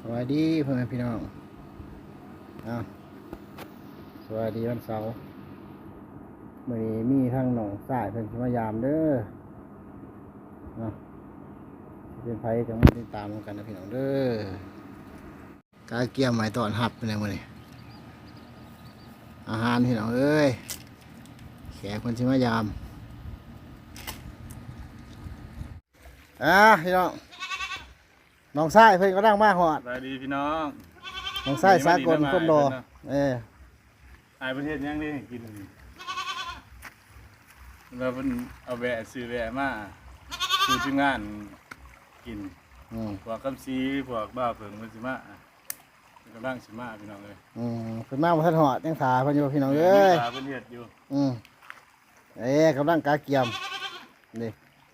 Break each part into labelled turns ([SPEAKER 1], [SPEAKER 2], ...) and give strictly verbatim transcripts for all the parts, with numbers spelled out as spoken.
[SPEAKER 1] สวัสดีพ่อแม่พี่น้องอ้าวสวัสดีวันเสาร์มื้อนี้มีทั้งหนองสายเพิ่นสิมายามเด้อเนาะสิเป็นไผจังมาติดตามกันนะพี่น้องเด้อกาเกียมหมายตอนหับเป็นไงมื้อนี้อาหารพี่น้องเอ้ยแขกเพิ่นสิมายามอ่ะพี่น้องน้องชายเพิ่นก็นั่งมาหอด
[SPEAKER 2] สวัสดีพี่น้อง
[SPEAKER 1] น้องชายสากลคนรอเออ
[SPEAKER 2] อายประเทศยังได้กินเราเป็นเอาแวะซื้อแวะมาสู่ทีมงานกิน
[SPEAKER 1] อืม
[SPEAKER 2] พวกคำซีพวกบ้าเผิงมันสิมากำลังสิมาพี่น้องเลย
[SPEAKER 1] อืมเพิ่นมาบ่ทันหอดยังขาเพิ่นอยู่พี่น้องเอ้ย
[SPEAKER 2] ตาเป็นเห็ดอยู่
[SPEAKER 1] อืมเอ้ยกำลังกาเกียมนี่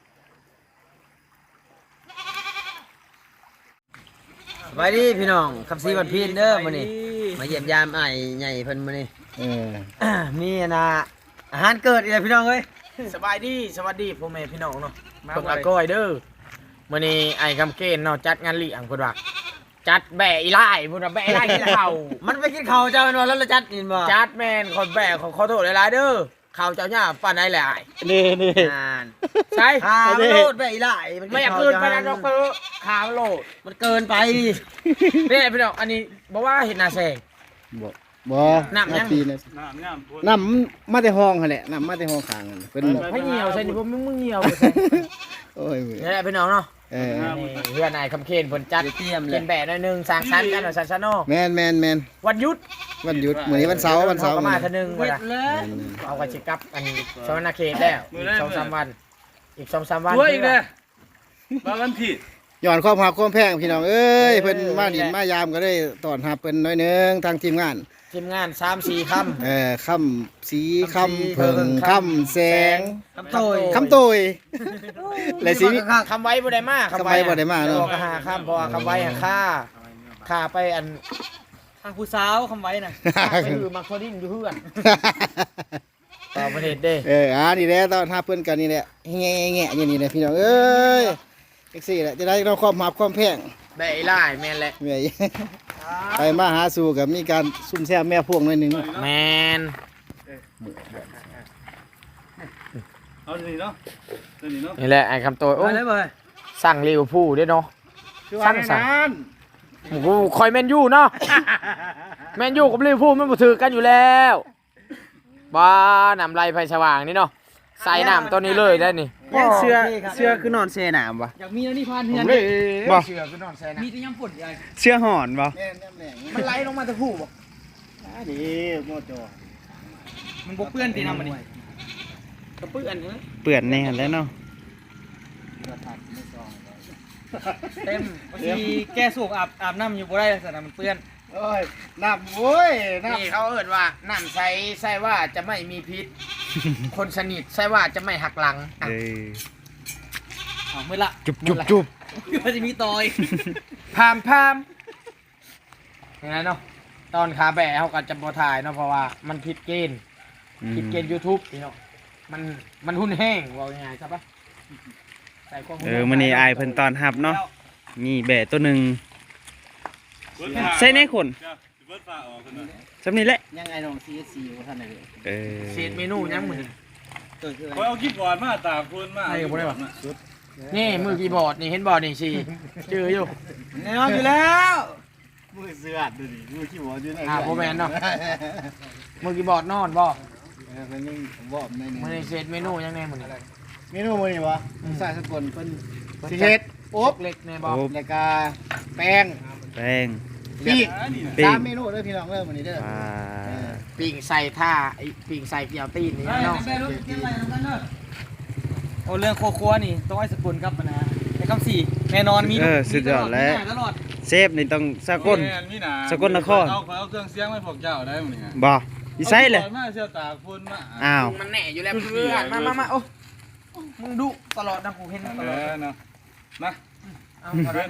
[SPEAKER 3] สวัสดีพี่น้องคำซีวันพีนเด้อมื้อนี้มาเยี่ยมยามไอ้ใหญ่เพิ่นมื้อนี้
[SPEAKER 1] เออ
[SPEAKER 3] มีนะอาหารเกิดอีกแล้วพี่น้องเอ้ย
[SPEAKER 4] สบายดีสวัสดีพ่อแม่พี่น้องเนาะเพิ่นอาก้อยเด้อมื้อนี้ไอ้คำเกณฑ์เนาะจัดงานเลี้ยงเพิ่นว่าจัดแบะอีไล่เพิ่นว่าแบะอีไล่กินข้าว
[SPEAKER 3] มันไปกินข้าวเจ้าแม่นบ่แล้วเราจัดกินบ่
[SPEAKER 4] จัดแม่นคนแบะขอขอโทษหลายๆเด้อข้าวเจ้าหญ้าปานใดแหละอ้าย
[SPEAKER 1] นี่นี่
[SPEAKER 3] อ่าน
[SPEAKER 4] ใช่
[SPEAKER 3] ข้าวมันโลดไปอีหลายน
[SPEAKER 4] ไม่อยากเกินไปนะดอกเตอร์ข้าวโลด
[SPEAKER 3] มันเกินไป
[SPEAKER 4] นี่ไอ้พี่น้องอันนี้บ่ว่าเฮ็ดหน้าแซง
[SPEAKER 1] บ่บ่
[SPEAKER 4] น้ำยัง
[SPEAKER 1] ปีนะ
[SPEAKER 2] น้ำน้ำพูด
[SPEAKER 1] น้ำมาแต่ห้องหั่นแหละน้ำมาแต่ห้องข้างนั่นเพิ่น
[SPEAKER 4] ให้เหี่ยวใส่นี่บ่มึงมึงเหี่ยวใส่
[SPEAKER 1] โอ้ยมือ
[SPEAKER 4] นี่แหละพี่น้องเนาะ
[SPEAKER 1] เออ
[SPEAKER 4] นี่เพื่อนนายคำเคนเพิ่นจัด
[SPEAKER 3] เตรียมเล
[SPEAKER 4] เป็
[SPEAKER 3] ย
[SPEAKER 4] นแบะหน่อยหนึงสร้างสรรค์กันหน่อยซันซะเนาะ
[SPEAKER 1] แม่นแม่นแม่น
[SPEAKER 4] วันหยุด
[SPEAKER 1] วันหยุดมื้อนี้วันเสาร์วันเสาร์
[SPEAKER 4] ก็
[SPEAKER 1] มื้อ
[SPEAKER 4] มา
[SPEAKER 1] นี้
[SPEAKER 4] เทื่อนึง
[SPEAKER 3] เว
[SPEAKER 4] ว่า
[SPEAKER 3] ท
[SPEAKER 4] ล่ะ
[SPEAKER 3] เลย
[SPEAKER 4] เอากระชิกลับอันสวรรณเขตแล้วอีกสองสามวัน อีกสองสามวัน
[SPEAKER 2] ตัวอีกเลยบ้ากันผิด
[SPEAKER 1] ย้อนความหักความแพงพี่น้องเอ้ยเพิ่นมาดินมายามก็ได้ต้อนรับเพิ่นหน่อยหนึงทางทีมงาน
[SPEAKER 4] ทีมงานสามสี่ค
[SPEAKER 1] เออค่ำสีค่ำเพิ่งค่ำแสง
[SPEAKER 4] ำ
[SPEAKER 3] คำโตย
[SPEAKER 1] คำโตยและสี
[SPEAKER 4] คำไว้บ่ได้มาก
[SPEAKER 1] คำไว้บ่ได้มาเนอะ
[SPEAKER 4] บอกหาคำเพราะว่าคำไว้หาค่าค่าไปอัน
[SPEAKER 3] ทางผู้สาวคำไว้น่ะ
[SPEAKER 4] ค่าไปคือมักโคดินอยู่เพื่อนต่อประเทศเด้
[SPEAKER 1] เอออ่านี่แหละตอนหาเพิ่นกันนี่แหละแง่แง่ๆอย่างนี้แหละพี่น้องเอ้ยเอ็กซี่แหละจะได้เราความหักความแพง
[SPEAKER 4] ได้ไล่แม่นแหละ
[SPEAKER 1] เมื่อยไปมาหาสู่กับมีการซุ่มแซ่บแม่พวงหน่อยหนึง
[SPEAKER 4] แมน
[SPEAKER 2] เอาสิเนาะเดี๋ยวนี้เนาะ
[SPEAKER 4] นี่แหละไอ้คำโตยโอ้
[SPEAKER 3] มาเลยบ่
[SPEAKER 4] สั่งลิเวอร์พูลด้วยเนาะ สั่งสั่ง
[SPEAKER 1] นั้น
[SPEAKER 4] กูคอยแมนยูเนาะแมนยูกับลิเวอร์พูลมันบ่ถือกันอยู่แล้วบ้านำไรไฟสว่างนี่เนาะใส่น้ำตัวนี้เลยได้นี่
[SPEAKER 3] ยังเสื้อ
[SPEAKER 1] เสื้อคือนอนเซน้ำวะ
[SPEAKER 3] อยากมีแล้วนี่พานเฮือน
[SPEAKER 1] บ่
[SPEAKER 4] เชือคือนอนใส่น้
[SPEAKER 3] มีแต่ยำฝนใหญ่
[SPEAKER 5] เสื้อหอนบ่
[SPEAKER 1] แม่นแม่น
[SPEAKER 4] ำมันไหลลงมาตะคู่บ่
[SPEAKER 1] ดีโมโจ
[SPEAKER 3] มันบ่เปื้อนตีน้ำมันนี่
[SPEAKER 4] กระปื้อนนี่
[SPEAKER 5] เปื่อนแน่แล้วเนาะ
[SPEAKER 3] เต็มบางทีแก้สูบอาบอาบน้ำอยู่บ่ได้แต่น้ำมันเปื้อน
[SPEAKER 1] โอ้ยน้ำโว้ยน้
[SPEAKER 4] นี่เขาเอิ้นว่าน้ำใสใส่ว่าจะไม่มีพิษ คนสนิทใส่ว่าจะไม่หักหลังอ่ะ
[SPEAKER 5] เออ
[SPEAKER 3] เอามือละ
[SPEAKER 5] จุบจุบจุบ
[SPEAKER 3] ก็จะมีตอย
[SPEAKER 4] พามพามอย่างนั้นเนาะตอนขาแบะเขาก็จะบ่ถ่ายเนาะเพราะว่ามันผิดเกณฑ์ ผิดเกณฑ์ YouTube พี่เนาะมันมันหุ่นแห้งว่าง่ายๆครับปะใส่ความหุ่
[SPEAKER 5] เอ
[SPEAKER 4] แห้
[SPEAKER 5] อง มื้อนี้อายเพิ่นตอนรับเนาะมีแบะตัวหนึงใส่ในคน
[SPEAKER 2] เดี๋ยวสิเบิดฟ้าออกกันหน่อย
[SPEAKER 5] ซำนี้แหละ
[SPEAKER 1] ำยังไงน้องซีซีอยู่ท่านไหน
[SPEAKER 5] เออ
[SPEAKER 4] เศษเมนูยังมือ
[SPEAKER 1] เกิดขึ้น
[SPEAKER 2] คอยเอากิ๊บบอร์ดมาตากคนมา
[SPEAKER 4] ให้กับบ่ได้ปะ นี่มือกีย์บอร์ดนี่เห็นบอร์ดนี่สิเจออยู่
[SPEAKER 3] แน่นอนอยู่แล้ว
[SPEAKER 1] มือเสือดดูดิมือขี้หัวอยู่ไหน
[SPEAKER 4] อ่าโบแมนเนาะมือกีย์บอร์ดนอนบ่
[SPEAKER 1] เป็นยังผมบอกใน
[SPEAKER 4] มือ
[SPEAKER 1] นี้
[SPEAKER 4] ในเศษเมนูยังไงมือนี่
[SPEAKER 1] เมนูมือนี่วะใส่สกุลเป็นสีเฮ็ดโอ๊บ
[SPEAKER 4] เล็กในบ่
[SPEAKER 5] โอ้
[SPEAKER 1] แล้วก็แป้ง
[SPEAKER 5] แป้ง
[SPEAKER 1] ปีก
[SPEAKER 5] ปิ้ง
[SPEAKER 1] สามเมนูเด้อพี่น้องเด้อมื้อนี้เด้อ
[SPEAKER 5] อ่า
[SPEAKER 4] ปิ่งใส่ท่าไอ้ปิ่งใส่เกี่ยวตีนนี่เนาะ
[SPEAKER 3] โอ้เรื่องโคครัวนี่ต้องไอ้สกุลครับนะในคำสี่แน่นอนมี
[SPEAKER 5] เออสุดยอดแล้ว
[SPEAKER 3] ตลอด
[SPEAKER 5] เซฟนี่ต้องสากล
[SPEAKER 2] แม่นมีหนา
[SPEAKER 5] สกลนคร
[SPEAKER 2] เอาเอาเครื่องเสียงให้พวกเจ้าได้มั้ยเนี่ย
[SPEAKER 5] บ่อีไสเลย
[SPEAKER 2] อากิ๊บบอร์ดมาเสื้อตากคนมา
[SPEAKER 5] อ้าว
[SPEAKER 4] มันแน่อยู่แล้วเพื่อนมามามาโอ้มึงดุตลอดนะกูเห็นต
[SPEAKER 2] เอ
[SPEAKER 4] ลอด
[SPEAKER 2] อเนาะมา
[SPEAKER 4] เอา
[SPEAKER 2] เพื่อน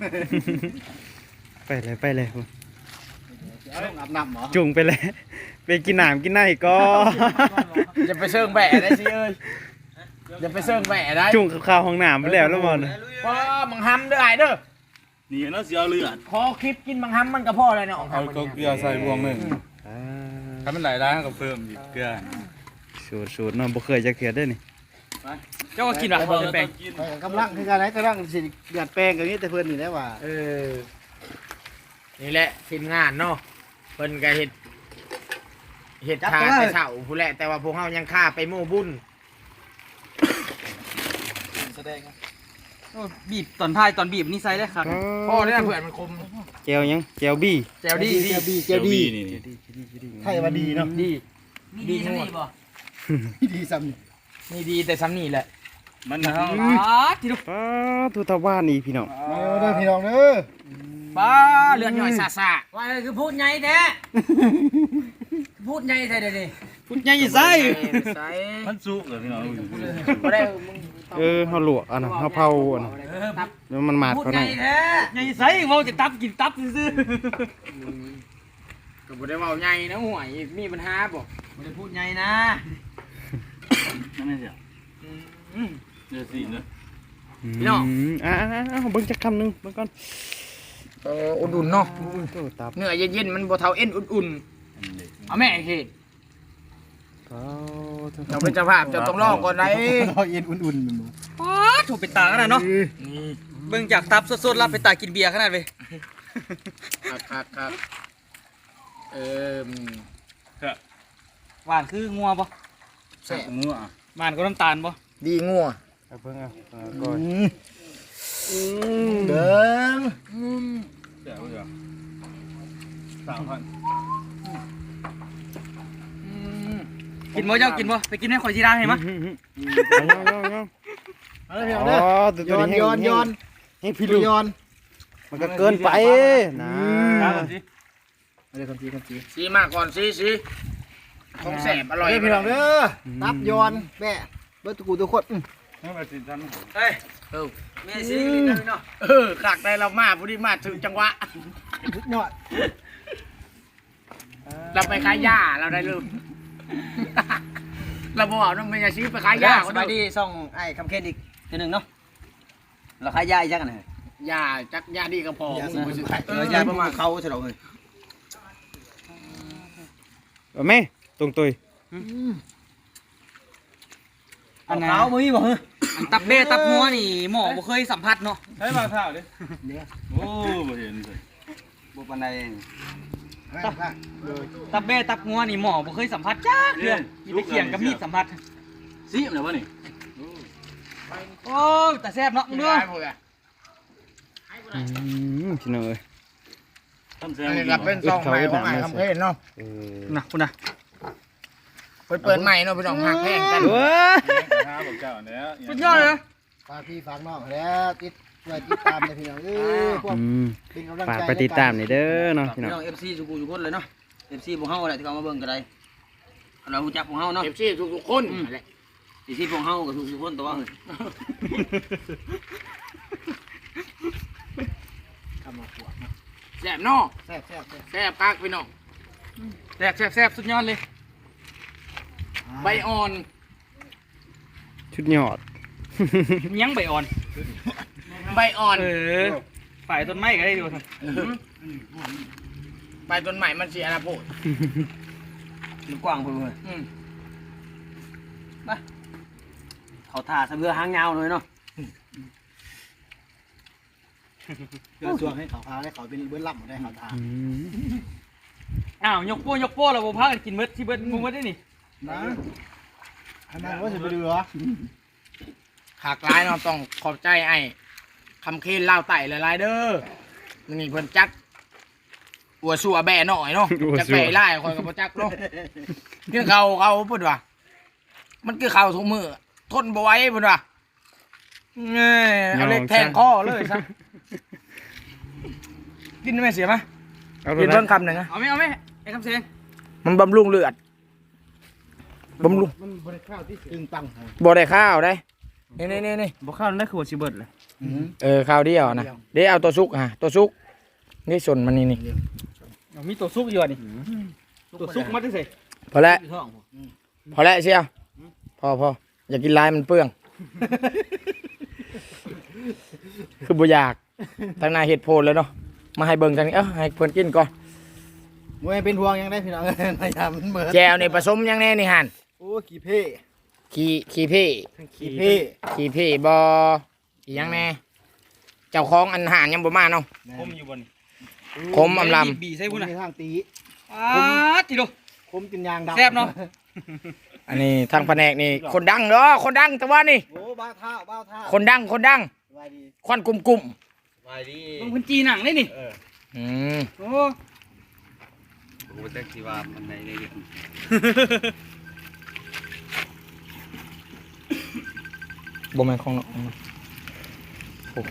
[SPEAKER 5] ไปเลยไปเลย
[SPEAKER 1] เอาลงอาบน้ำเหรอ
[SPEAKER 5] จุงไปเลยไปกินน้ำกินไหนก็
[SPEAKER 4] อย่าไปเชิงแบะได้สิเอ้ยอย่าไปเชิงแบะได้
[SPEAKER 5] จุงข้าวห้องน้ำไปแล้วแล้วบ่นะ
[SPEAKER 4] ว้ามึงห้ำเด้อไอ้เด้อ
[SPEAKER 2] นี่เนาะสิเอาเลือด
[SPEAKER 4] พอคลิปกินบางคำมันก็พอเลยเนาะ
[SPEAKER 2] เอาเกลือใส่บวงหนึงถ้ามันหลายร้านก็เพิ่มอีกเกลือ
[SPEAKER 5] สูตรสูตรเนาะบ่เคยจะเขียดได้นี่
[SPEAKER 4] เจ้าก็กินหรอเพิ่มแป้ง
[SPEAKER 2] กิน
[SPEAKER 1] กำลังคือการไหนกำลังสิเดือดแป้งกันนี้แต่เพิ่นนี่แหละว่า
[SPEAKER 4] เออนี่แหละทีมงานเนาะเพิ่นก็เฮ็ดเฮ็ดทาแต่เช้าผู้แหละแต่ว่าพวกเฮายังฆ่าไปโม่บุญ
[SPEAKER 3] บีบตอนท้ายตอนบีบนี่ใส่ได้ครับ
[SPEAKER 4] พ่อเนี่ยเพื่อนมันคม
[SPEAKER 5] แจวยังแจวบี้
[SPEAKER 4] แจวดี
[SPEAKER 1] เจียวดีเจียวดี
[SPEAKER 2] นี่
[SPEAKER 1] ไทยว่าดีเนาะ
[SPEAKER 4] ดี
[SPEAKER 3] ดีจังนี่บ่
[SPEAKER 1] ดีซ้ำนี่
[SPEAKER 4] นี่ดีแต่ซ้ำนี่แหละ
[SPEAKER 2] มันเฮา
[SPEAKER 3] อ๋อที่ลูก
[SPEAKER 5] ป้าทุตาบ้านนี่พี่น้อง
[SPEAKER 1] มาเด้อพี่น้องเด้อ
[SPEAKER 4] บ้าเลือดย่อยซาซา
[SPEAKER 3] ว่าคือพูดใหญ่แท้พูดใหญ่แท้เด้นี่
[SPEAKER 5] พุดใหญ่ใส่
[SPEAKER 4] ใส่
[SPEAKER 2] มันสุกเหรอพี่น้อง
[SPEAKER 4] บ่ได้มึง
[SPEAKER 5] เออเฮาลวกอันน่ะเฮาเผาอันน่ะแล้วมันมาด
[SPEAKER 3] พูด
[SPEAKER 5] เขา
[SPEAKER 3] ให
[SPEAKER 5] หน่
[SPEAKER 3] ญ่
[SPEAKER 5] อย
[SPEAKER 3] แท้ใหญ่ใส่เว้าจะตับกินตับซื่อ
[SPEAKER 4] ก็บ่ได้เว้าใหญ่นะห่วยมีปัญหาบ่
[SPEAKER 3] ๆบ่ได้พูดใหญ่นะ
[SPEAKER 2] นั่นแหละเสียเดี๋ยวสิเนาะ
[SPEAKER 5] พี่น้องอ่าๆๆเบิ่งจักคำหนึงเบิ่งก่อน
[SPEAKER 4] เอออุ่นๆเนาะ
[SPEAKER 5] โตตับ
[SPEAKER 4] เนื้อเย็นๆมันบ่เท่าเอ็นอุ่นๆเอาแม่เฮ็ด
[SPEAKER 5] เผา
[SPEAKER 4] เราเป็นเจ้าภาพจะต้องรอก่อนได้
[SPEAKER 1] เราเย็นอุ่นๆมัน
[SPEAKER 3] ป๊าดโถเป็นตาขนาดเนาะ
[SPEAKER 4] นี่
[SPEAKER 3] เบิ่งจากตับสดๆแล้วเป็นตากินเบียร์ขนาดเว้ย
[SPEAKER 4] ครับครับครับเออ
[SPEAKER 3] หวานคืองัวบ่
[SPEAKER 2] แซ่บงัว
[SPEAKER 3] หวานก็น้ำตาลบ่
[SPEAKER 4] ดีงัว
[SPEAKER 5] เอาเบิ่งเอาเอาก่อน
[SPEAKER 1] เดิง
[SPEAKER 2] แซ่บเด้อสามพัน
[SPEAKER 3] กินบ่เจ้ากินบ่ไปกินให้ข่อยสิได้ให้มะ
[SPEAKER 1] เอาเด้อพี่น้อง
[SPEAKER 5] อ๋
[SPEAKER 1] เด้
[SPEAKER 5] อ
[SPEAKER 1] อ
[SPEAKER 5] ตัว
[SPEAKER 1] ย้อน
[SPEAKER 5] นี้
[SPEAKER 1] ย้อนย้อน
[SPEAKER 5] ให้พี่ลูก
[SPEAKER 1] ย้อน
[SPEAKER 5] มันก็เกินไปนะ
[SPEAKER 2] ครับผมสิ
[SPEAKER 1] เอาเด้อคนจีคนจี
[SPEAKER 4] ซีมากก่อนซีซีของแสบอร่อย
[SPEAKER 1] เด้อพี่น้องเด้อตับย้อนแม่เบิดตะกูทุกคนอื้อ
[SPEAKER 2] ให้มาสิทัน
[SPEAKER 3] เฮ้ย
[SPEAKER 4] เออ
[SPEAKER 3] แม่สิกินได้เนาะ
[SPEAKER 4] เออขากได้เรามาพอดีมาถึงจังหวะ
[SPEAKER 1] สุดยอด
[SPEAKER 4] เราไปขายยาเราได้ลืมเราบอกน้องเมียซื้อไปขายยา
[SPEAKER 3] สบายดีส่องไอ้คำเคนอีกทีหนึงเนาะเราขายยาอีกจักกันน่ะ
[SPEAKER 4] ยาจักยาดีก็พอมึงบ่ซื้อ
[SPEAKER 3] เออยาประมาณเขาใช่ดอกเอ้ย
[SPEAKER 5] เอาแม่ตรงตุย
[SPEAKER 3] อันเขาบ่มีบ่เฮ้ยอันตับเบ้ตับงัวนี่หมอบ่เคยสัมผัสเนาะ
[SPEAKER 2] ให้มาข้าวดิโอ้บ่เห็นเลย
[SPEAKER 3] บ่ปานใด
[SPEAKER 1] ตับ
[SPEAKER 3] ตับเบ้ตับงัวนี่หมอบ่เคยสัมผัสจ้าเทื่อมีแต่เขียงกับมีดสัมผัส
[SPEAKER 2] ซิมแล้ววะนี่
[SPEAKER 3] โอ้ยแต่แซ่บเนาะมึง
[SPEAKER 4] เนื้
[SPEAKER 3] เด้
[SPEAKER 4] อ
[SPEAKER 3] อ
[SPEAKER 4] พวกอ่ะ
[SPEAKER 5] อืมพี่น้องเอ้ย
[SPEAKER 2] ทำแซ่
[SPEAKER 4] อันนี้
[SPEAKER 2] บ
[SPEAKER 4] ก็เป็นซองใหม่ของไอ้คำเพลนเนาะ
[SPEAKER 5] เออ
[SPEAKER 3] น่ะคุณน่ะ
[SPEAKER 4] เปิดเปิดใหม่เนาะพี่น้องหักแพงกัน
[SPEAKER 5] เว้ย
[SPEAKER 2] ข้าวบอกเจ้าแล้ว
[SPEAKER 3] สุดยอดเลยนะ
[SPEAKER 1] ฝากพี่ฝากน้องแล้วติดไว้ติดตามเลยพี่น้องเอ้ยพวก
[SPEAKER 5] อืม
[SPEAKER 1] เป็นกำลัง
[SPEAKER 5] ฝาก
[SPEAKER 1] ใจ
[SPEAKER 5] ไปติดตามนี่เด้อเนาะพี่
[SPEAKER 3] พี่
[SPEAKER 5] น้อง
[SPEAKER 3] น้อง เอฟ ซี สุกูสุกคนเลยเนาะ เอฟ ซี พวกเฮาแหละที่เขามาเบิ่งก็ได้เรารู้จักพวกเฮาเนาะ
[SPEAKER 4] เอฟซีทุกๆคนแหละ
[SPEAKER 3] เอฟ ซี พวกเฮาก็ทุกๆคนตัวเฮ้ย
[SPEAKER 1] ทำมาขวด
[SPEAKER 4] แซ่บเนาะ
[SPEAKER 1] แซ่บแซ่บแซ่บ
[SPEAKER 4] แซ่บคักพี่น้อง
[SPEAKER 3] แซ่บแซ่บแซ่บสุดยอดเลย
[SPEAKER 4] ใบอ่อน
[SPEAKER 5] ชุดยอด
[SPEAKER 3] ยังใบอ่อน
[SPEAKER 4] ใบอ่อน
[SPEAKER 3] เออฝ่ายต้นไม้ก็ได้ดูสิ
[SPEAKER 4] ใบต้นใหม่มันเสียนะโพด
[SPEAKER 3] มันกว้างพุ่นเลย
[SPEAKER 4] อืม
[SPEAKER 3] เขาท่าซะเบื่อหางยาวเลยเนาะ
[SPEAKER 1] เพื่อช่วงให้เขาพาให้เขาเป็นเบิ้ลล่ำหมดได้เขาทา
[SPEAKER 5] อืม
[SPEAKER 3] อ้าวยกโป้ยกโป้แล้วบ่พากันกินเบิดที่เบิดมึงเบิดได้นี่
[SPEAKER 1] นะอันนั้นว่าจะไปดูเหรอ
[SPEAKER 4] ขากร้ายเนาะต้องขอบใจไอ้คำเคนเล่าไต่หลายๆเด้อนี่เพิ่นจัดอัวสัวแบ่หน่อยเนาะจักไปไล่คอยกับพ่จักเนาะคือเขาเขาพูดว่ามันคือเขาทุกมือทนบ่ไหว้พูดว่าเงี้ยเอาเล็กแทงคอเลยซะกินไม่เสียไหม
[SPEAKER 5] เอาไป
[SPEAKER 4] กิน
[SPEAKER 5] นะ
[SPEAKER 4] เพิ่มคำหนึ่งอะ
[SPEAKER 3] เอาไหมเอาไหมไอ้คำเสียง
[SPEAKER 4] มันบำรุงเลือดบำรุง
[SPEAKER 1] มันบริข้าวที่ตึงตัง
[SPEAKER 4] บ่ได้ข้าวได้นี่นี่นี่นี่
[SPEAKER 5] บ่เข้าได้คือว่าสิเบิดเลย
[SPEAKER 4] เออข้าวเดียวนะเดี๋ยวเอาตัวซุกฮะตัวซุกนี่ส่วนมันนี่นี่
[SPEAKER 3] เอามีตัวซุกอยู่อ่ะนี่ตัวซุกมาจังซี่
[SPEAKER 4] พอแล้ว
[SPEAKER 3] อยู่ท้องผม
[SPEAKER 4] พอแล้วเชียวพอพออย่ากินลายมันเปลือง คือบ่อยากทางนายเฮ็ดโพดแล้วเนาะมาให้เบิ่งทางนี้เอ้าให้เพิ่นกินก่อน
[SPEAKER 1] มวยเป็นห่วงยังได้พี่น้อง พยายามมันเหมือน
[SPEAKER 4] แจวนี่ผสมหยังแน่นี่หั่น
[SPEAKER 1] โอ้ขี้เพ่
[SPEAKER 4] ขี้ขี้เพ่
[SPEAKER 1] ขี้เพ่
[SPEAKER 4] ขี้เพ่บ่อีหยังแน่เจ้าของอันหารยังบ่มาเนาะ
[SPEAKER 5] คมอยู่บน
[SPEAKER 4] คมอำลำ
[SPEAKER 5] บีใส่พุ่นน่ะ
[SPEAKER 1] มีทางตี
[SPEAKER 5] อ้าติโด
[SPEAKER 1] คมกินยางดำ
[SPEAKER 5] แซ่บเนาะ
[SPEAKER 4] อันนี้ทางแผนกนี่คนดังเนาะคนดังแต่ว่านี่
[SPEAKER 1] โอ้บ้าเท้าบ้าเท้า
[SPEAKER 4] คนดังคนดัง
[SPEAKER 1] สบายดี
[SPEAKER 4] ควันกลุ่ม
[SPEAKER 3] ไปดิ
[SPEAKER 5] ลงพื้นจีหนังเลยนี่
[SPEAKER 4] ๆอืม
[SPEAKER 5] โอ้
[SPEAKER 3] โอ้แต่ที่ว่ามันในใน
[SPEAKER 4] บ่แม่นของเนาะโอ้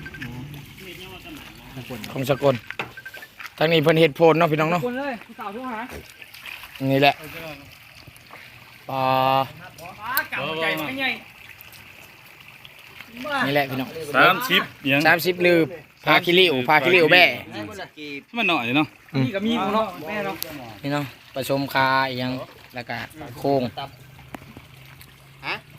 [SPEAKER 4] ของสกลทางนี้เพิ่นเฮ็ดโพดเนาะพี่น้องเนาะ
[SPEAKER 5] คนเลยผู้สาวทุกหา
[SPEAKER 4] นี่แหละปลา
[SPEAKER 5] ป้ากลับใจมันใหญ่
[SPEAKER 4] นี่แหละพี่น้อง
[SPEAKER 2] สามสิบยัง
[SPEAKER 4] สามสิบลือพาคิริวพาคิริวแบ่
[SPEAKER 2] มันหน่อยเนาะ
[SPEAKER 5] นี่ก็มีของเนาะแม่เนาะ
[SPEAKER 4] นี่เนาะผสมคาอีหยังแล้วก็โค้ง